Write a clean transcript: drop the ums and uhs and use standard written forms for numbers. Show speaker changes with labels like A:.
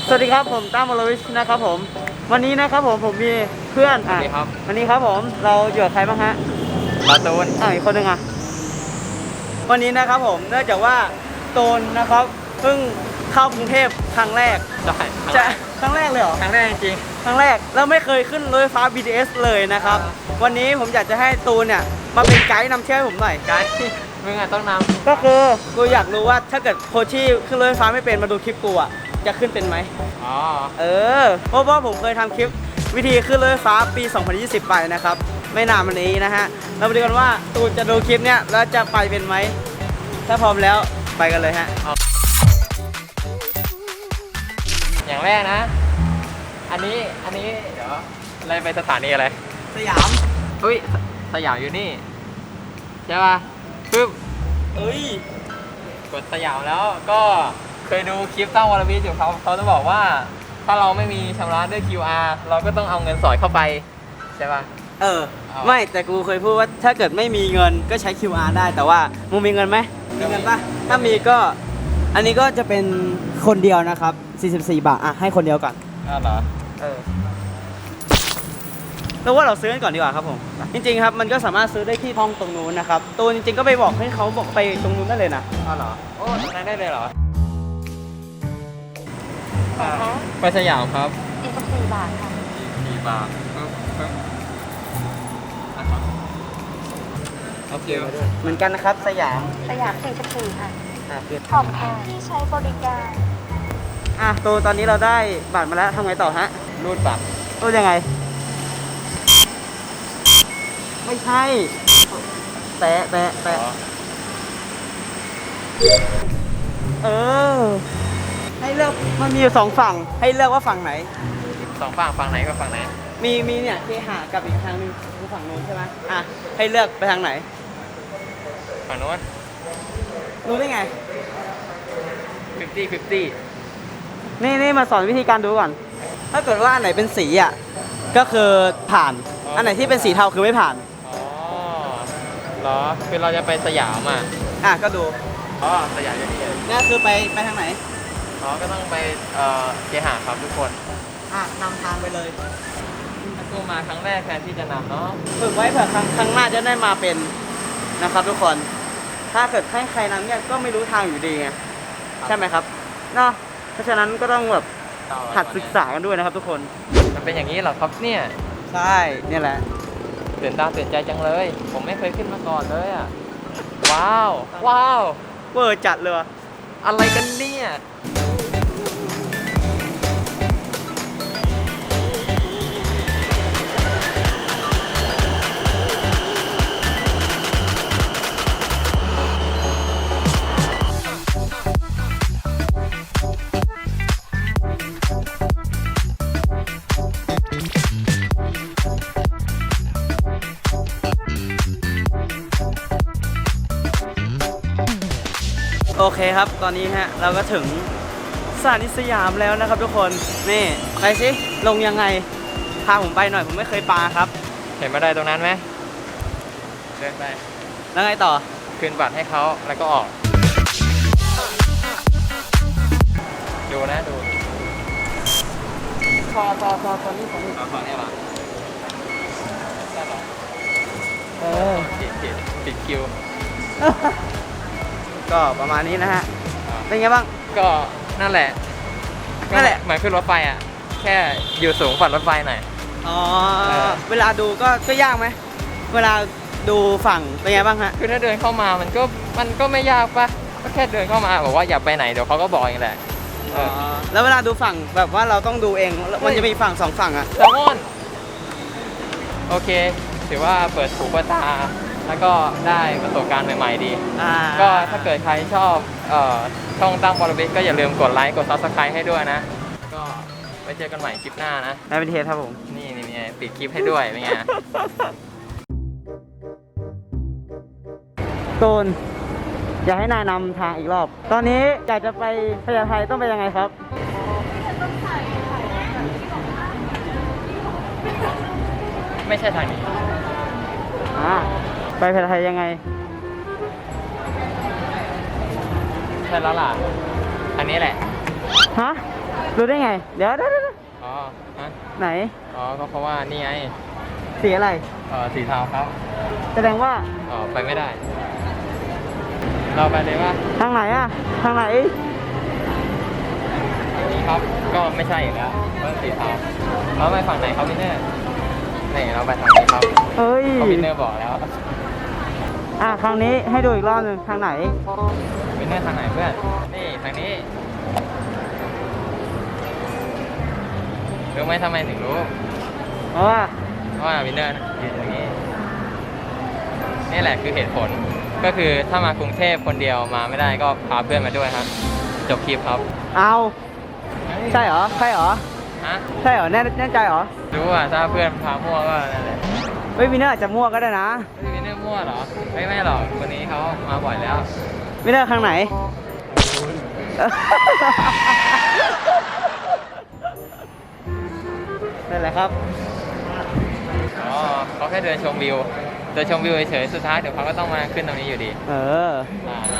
A: สวัสดีครับผมตั้มวรวิชนะครับผมวันนี้นะครับผมมีเพื่อน
B: สวัสดีครับ
A: วันนี้ครับผมเราอยู่กับใครบ้างฮะ
B: การ์ตูน
A: อีกคนหนึ่งวันนี้นะครับผมเนื่องจากว่าตูนนะครับเพิ่งเข้ากรุงเทพครั้งแรกจะครั้งแรกเลยเหรอ
B: ครั้งแรกจริง
A: ครั้งแรกแล้วไม่เคยขึ้นรถไฟฟ้า BTS เลยนะครับวันนี้ผมอยากจะให้ตูนเนี่ยมาเป็นไกด์นำเที่ยวให้ผมหน่อย
B: ไกด์มึงอ่ะต้องนำ
A: ก็คือกูอยากรู้ว่าถ้าเกิดโคชี่ขึ้นรถไฟฟ้าไม่เป็นมาดูคลิปกูอ่ะจะขึ้นเป็นไหม
B: อ๋อ
A: เพราะว่าผมเคยทำคลิปวิธีขึ้นรถไฟฟ้าปี 2020 ไปนะครับไม่นานมานี้นะฮะเราไปดูกันว่าตูนจะดูคลิปเนี้ยแล้วจะไปเป็นไหมถ้าพร้อมแล้วไปกันเลยฮะ
B: อย่างแรกนะอันนี้เดี๋ยวอะไรไปสถานีอะไร
A: สยาม
B: อุ้ยสยามอยู่นี่ใช่ป่ะปึ๊บกดสยามแล้วก็เคยดูคลิปตั้งวรวิทย์อยู่เขาจะบอกว่าถ้าเราไม่มีชำระด้วย QR เราก็ต้องเอาเงินสอดเข้าไปใช่ป่ะ
A: ไม่แต่กูเคยพูดว่าถ้าเกิดไม่มีเงินก็ใช้ QR ได้แต่ว่ามึงมีเงินไหมมีเงินปะถ้ามีก็อันนี้ก็จะเป็นคนเดียวนะครับ44 บาทให้คนเดียวก่อน
B: เหรอ
A: แล้วว่าเราซื้อกันก่อนดีกว่าครับผมจริงๆครับมันก็สามารถซื้อได้ที่ห้องตรงนู้นนะครับตัวจริงๆก็ไปบอกให้เขาบอกไปตรงนู้นได้เลยนะ
B: เหรอโอ้ตรงนั้นได้เลยเหรอไปสยามครับ
C: 44 บาทค่ะ
B: 44 บาทโอเค
A: เหมือนกันนะครับสยาม
C: 44 ค่ะขอบคุณที่ใช้บริการ
A: ตัวตอนนี้เราได้บัตรมาแล้วทำไงต่อฮะ
B: รูดบัตร
A: รูดยังไงไม่ใช่แปะให้เลือกมันมีอยู่2ฝั่งให้เลือกว่าฝั่งไหน
B: ฝั่งไหนกับฝั่งไหน
A: มีเนี่ยเคหะกับอีกทางนึงคือฝั่งโน้นใช่ไหมให้เลือกไปทางไหน
B: ฝั่งโน้น
A: รู้ได้ไง
B: 50
A: นี่มาสอนวิธีการดูก่อนถ้าเกิดว่าอันไหนเป็นสีก็คือผ่านอันไหนที่เป็นสีเทาคือไม่ผ่าน
B: เหรอคือเราจะไปสยาม
A: ก็ดู
B: สยามอย่างนี้
A: นี่คือไปทางไหน
B: ก็ต้องไปเคหะครับทุกคน
A: นำทางไปเลย
B: ถ้ากูมาครั้งแรกแทนที่จะนำเนาะ
A: ฝึกไว้เผื่อครั้งหน้าจะได้มาเป็นนะครับทุกคนถ้าเกิดให้ใครนำเนี่ยก็ไม่รู้ทางอยู่ดีไงใช่ไหมครับเนาะเพราะฉะนั้นก็ต้องแบบหัดศึกษากันด้วยนะครับทุกคน
B: มันเป็นอย่างนี้เหรอครับเนี่ย
A: ใช่เนี่ยแหละ
B: ตื่นตาตื่นใจจังเลยผมไม่เคยขึ้นมาก่อนเลยว้าวเ
A: วอร์จัดเลย
B: อะไรกันเนี่ย
A: โอเคครับตอนนี้เราก็ถึงสถานีสยามแล้วนะครับทุกคนนี่ไปสิลงยังไงพาผมไปหน่อยผมไม่เคยปาครับ
B: เห็นบันไดตรงนั้นไหมเดินไป
A: แล้วไงต่อ
B: คืนบัตรให้เขาแล้วก็ออกดู
A: พอตอนนี้
B: ขอเนี่ยหรอได้หรอปิดคิว
A: ก็ประมาณนี้นะฮะเป็นไงบ้าง
B: ก็นั่นแหละเหมือนขึ้นรถไฟแค่อยู่สูงกว่ารถไฟหน่อย
A: เวลาดูก็ยากไหมเวลาดูฝั่งเป็นไงบ้างฮะ
B: คือถ้าเดินเข้ามามันก็ไม่ยากปะก็แค่เดินเข้ามาบอกว่าอย่าไปไหนเดี๋ยวเขาก็บอกเองแหละ
A: แล้วเวลาดูฝั่งแบบว่าเราต้องดูเองมันจะมีฝั่ง2 ฝั่ง
B: แซลมอนโอเคถือว่าเปิดหูเปิดตาแล้วก็ได้ประสบการณ์ใหม่ๆดีก็ถ้าเกิดใครชอบช่องตั้งวรวิทย์ก็อย่าลืมกดไลค์กด Subscribe ให้ด้วยนะก็ไปเจอกันใหม่คลิปหน้านะ
A: ได้เป็นเทสครับผม
B: นี่ปิดคลิปให้ด้วยเป็นไง
A: ตูนอยากให้นายนำทางอีกรอบตอนนี้อยากจะไปพญาไทต้องไปยังไงครับ
B: ไม่ใช่ทางนี้
A: ไปพญาไทยังไง
B: ใช่แล้วล่ะอันนี้แหละ
A: ฮะรู้ได้ไง เดี๋ยว
B: อ๋อฮะ
A: ไหน
B: อ๋อก็เพราะว่านี่ไง
A: สีอะไร
B: สีเทาครับ
A: แสดงว่า
B: ไปไม่ได้ เราไปเลยว่า
A: ทางไหนอะทางไหน
B: นี่ครับ ก็ไม่ใช่อีกแล้วเพราะสีเทาเราไปฝั่งไหนครับวินเนอร์นี่เราไปทางนี้ครับ
A: เฮ้ย
B: เพราะวินเนอร์บอกแล้ว
A: ครั้งนี้ให้ดูอีกรอบหนึ่งทางไหน
B: วินเนอร์ทางไหนเพื่อน นี่ทางนี้รู้ไหมทำไมถึงรู้
A: เพราะว่า
B: เพราะว่าวินเนอร์ยืนตรงนี้ นี่แหละคือเหตุผล ก็คือถ้ามากรุงเทพคนเดียวมาไม่ได้ก็พาเพื่อนมาด้วยครับ จบคลิปครับ
A: เอาใช่เหรอ ใช่เหรอ
B: ฮะ
A: ใช่เหรอ แน่ใจเหรอ
B: รู้อ่ะถ้าเพื่อนพามั่วก็นั่นแหละ
A: เฮ้ยวินเนอร์อาจจะมั่วก็ได้นะ
B: วินเนอร์มั่วเหรอ ไม่หรอกคนนี้เขามาบ่อยแล้ว
A: วินเนอร์ทางไหน นั่นแหละครับ
B: อ๋อเขาแค่เดินชมวิว เดินชมวิวเฉยๆสุดท้ายเดี๋ยวเขาก็ต้องมาขึ้นตรงนี้อยู่ดี
A: เออ
B: มา